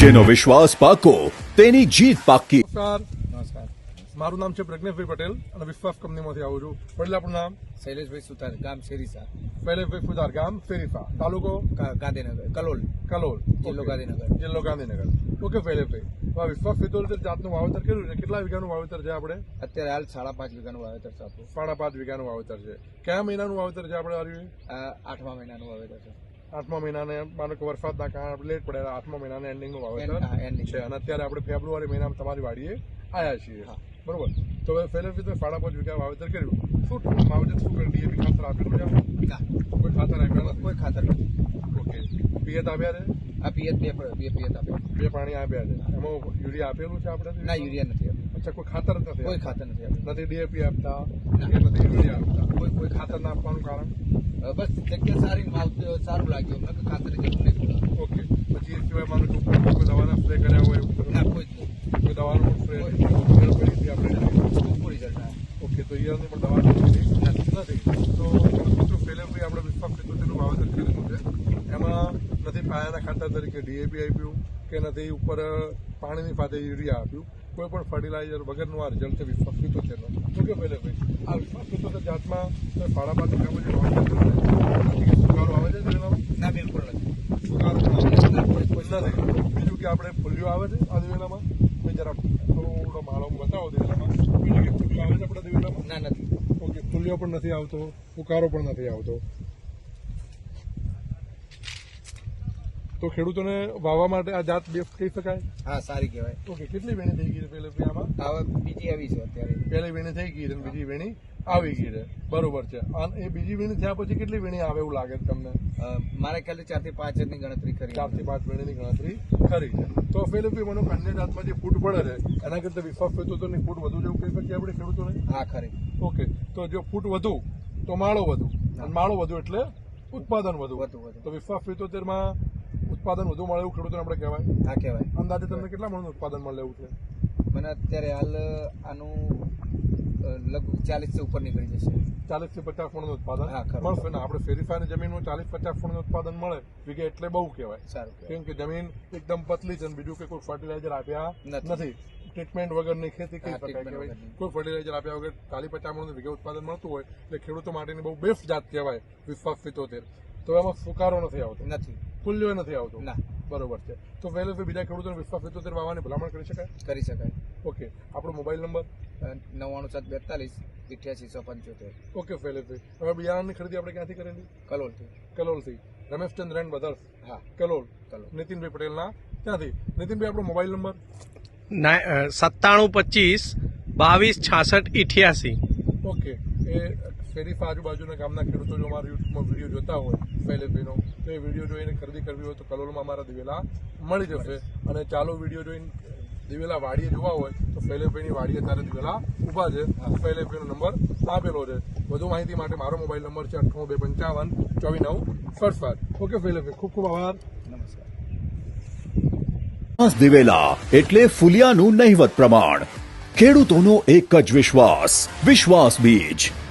જેનો વિશ્વાસ પાકો તેની જીત પાકી. નમસ્કાર. મારું નામ છે પ્રજ્ઞેશભાઈ પટેલ અને વિશ્વાસ કંપનીમાંથી આવું છું. વડીલ આપણું નામ? શૈલેષભાઈ સુતાર, ગામ શેરીસા. શૈલેષભાઈ સુતાર, ગામ શેરીસા, તાલુકો ગાંધીનગર, કલોલ, જિલ્લો ગાંધીનગર. જિલ્લો ગાંધીનગર. ઓકે શૈલેષભાઈ, આ વિશ્વાસ ફિતોતેર જાતનું વાવેતર કર્યું છે. કેટલા વીઘાનું વાવેતર છે આપણે? અત્યારે હાલ 5.5 વીઘાનું વાવેતર છે આપણું. 5.5 વીઘાનું વાવેતર છે. કયા મહિનાનું વાવેતર છે આપણે? આવ્યું 8મા મહિનાનું વાવેતર છે. 8મા મહિનાને માનો કે વરસાદના કારણે આપણે લેટ પડે, 8મા મહિનાના એન્ડિંગનું વાવેતર છે અને અત્યારે આપણે ફેબ્રુઆરી મહિનામાં તમારી વાડીએ આવ્યા છીએ. બરોબર. તો હવે શૈલેષભાઈ 5.5 વીઘા વાવેતર કર્યું. શું વાવેતર શું કર્યું? ડીએપી ખાતર આપેલું છે? કોઈ ખાતર આપ્યા નથી? કોઈ ખાતર નથી. ઓકે. પિયત આપ્યા છે? આ પિયત બે પિયત આપ્યા. 2 પાણી આપ્યા છે. એમાં યુરિયા આપેલું છે આપણે? ના, યુરિયા નથી આપ્યું. અચ્છા, કોઈ ખાતર જ નથી? કોઈ ખાતર નથી આપ્યું. નથી ડીએપી આપતા કે નથી યુરિયા આપતા? કોઈ ખાતર ના આપવાનું કારણ? બસ જગ્યા સારી, સારું લાગ્યું અમને કે ખાતર જરૂર નહીં પડે. ઓકે. પછી એ સિવાય માનો કે ઉપર કોઈ દવાના સ્પ્રે કર્યા હોય એવું? ના, કોઈ જ નહીં. કોઈ દવાનું સ્પ્રે પડી હતી આપણે? પૂરી જતા. ઓકે. તો ઈયરની પણ દવા નથી. તો શૈલેષભાઈ આપણે વિશ્વાસ ફિતોતેરનું વાવેતર કરેલું છે. એમાં નથી પાયાના ખાતર તરીકે ડીએપી આપ્યું કે નથી ઉપર પાણીની ફાતે યુરિયા આપ્યું. કોઈ પણ ફર્ટિલાઇઝર વગરનું આ રિઝલ્ટ છે વિશ્વાસ ફિતોતેરનો. ઓકે શૈલેષભાઈ, આ વિશ્વાસ ફિતોતેર જાતમાં 5.5 વીઘામાં જે વાવેતર કર્યું છે, સુકારો આવે છે? ના, બિલકુલ નથી. સુકારો પણ આવે છે? નથી. બીજું કે આપણે ફૂલ્યો આવે છે આ દિવેલામાં? મેં જરા થોડો માળો બતાવો દિવેલામાં. બીજું કે ફૂલ્યો આવે છે આપણા દિવેલામાં? ના, નથી. ઓકે. ફૂલ્યો પણ નથી આવતો, ફુકારો પણ નથી આવતો. તો ખેડૂતોને વાવવા માટે આ જાત બેસ્ટ કહી શકાય? હા, સારી કહેવાય. ઓકે. કેટલી વેણી થઈ ગઈ છે પહેલે આમાં? હવે બીજી આવી છે અત્યારે. પહેલી વેણી થઈ ગઈ છે અને બીજી વેણી આવી ગઈ છે. બરોબર છે. અને એ બીજી વેણી થયા પછી કેટલી વેણી આવે એવું લાગે છે તમને? મારા ખ્યાલથી 4 થી 5 ની ગણતરી કરી. 4 થી 5 વેણીની ગણતરી ખરી છે. તો પહેલે મને અન્ય જાતમાં જે ફૂટ પડે છે એના કરતા વિશ્વાસ ફિતોતેરની ફૂટ વધુ જેવું કહી શકીએ આપણે ખેડૂતોને? હા, ખરી. ઓકે. તો જો ફૂટ વધુ તો માળો વધુ, અને માળો વધુ એટલે ઉત્પાદન વધુ. તો વિશ્વાસ ફિતોતેરમાં ઉત્પાદન વધુ મળે એવું ખેડૂતોને આપણે કહેવાય? હા, કહેવાય. અંદાજે તમને કેટલા મણનું ઉત્પાદન મળે એવું છે? મને અત્યારે હાલ આનું લગભગ 40 થી ઉપર નીકળી જશે. 40 થી 50 મણનું ઉત્પાદન ખરું. મળશે ને? આપણે શેરીફાની જમીનમાં 40-50 મણનું ઉત્પાદન મળે વીઘે એટલે બહુ કહેવાય. સારું. કેમ કે જમીન એકદમ પતલી છે અને બીજું કે કોઈ ફર્ટિલાઇઝર આપ્યા નથી, ટ્રીટમેન્ટ વગરની ખેતી કહી શકાય. કોઈ ફર્ટિલાઇઝર આપ્યા વગર 40-50 મણનું વીઘે ઉત્પાદન મળતું હોય એટલે ખેડૂતો માટેની બહુ બેસ્ટ જાત કહેવાય વિશ્વાસ ફિતોતેર. તો એમાં ફુકારો નથી આવતો? નથી. ફૂલ્યો નથી આવતો? ના. બરોબર છે. તો પહેલે બીજા ખેડૂતોને વિશ્વાસ ફિતોતેર વાવવાની ભલામણ કરી શકાય? કરી શકાય. ઓકે. આપણો મોબાઈલ નંબર? 997242 ઓકે શૈલેષભાઈ, હવે બિયારણની ખરીદી આપણે ક્યાંથી કરેલી? કલોલથી. Rameshchandra and brothers. હા, કલોલ. નીતિનભાઈ પટેલના ત્યાંથી. નીતિનભાઈ, આપણો મોબાઈલ નંબર? 9725226688. ઓકે. એ શેરીફા આજુબાજુના ગામના ખેડૂતો જો અમારા યુટ્યુબમાં વિડીયો જોતા હોય શૈલેષભાઈનો, તો એ વિડીયો જોઈને ખરીદી કરવી હોય તો કલોલમાં અમારા દિવેલા મળી જશે. અને ચાલો વિડીયો જોઈને દિવેલા વાડીએ જોવા હોય તો શૈલેષભાઈની વાડીએ અત્યારે દિવેલા ઊભા છે. શૈલેષભાઈનો નંબર આપેલો છે. વધુ માહિતી માટે મારો મોબાઈલ નંબર છે 9825544967. ઓકે શૈલેષભાઈ, ખૂબ ખૂબ આભાર. નમસ્કાર. દિવેલા એટલે ફુલિયાનું નહિવત પ્રમાણ. ખેડૂતોનો એક જ વિશ્વાસ, વિશ્વાસ બીજ.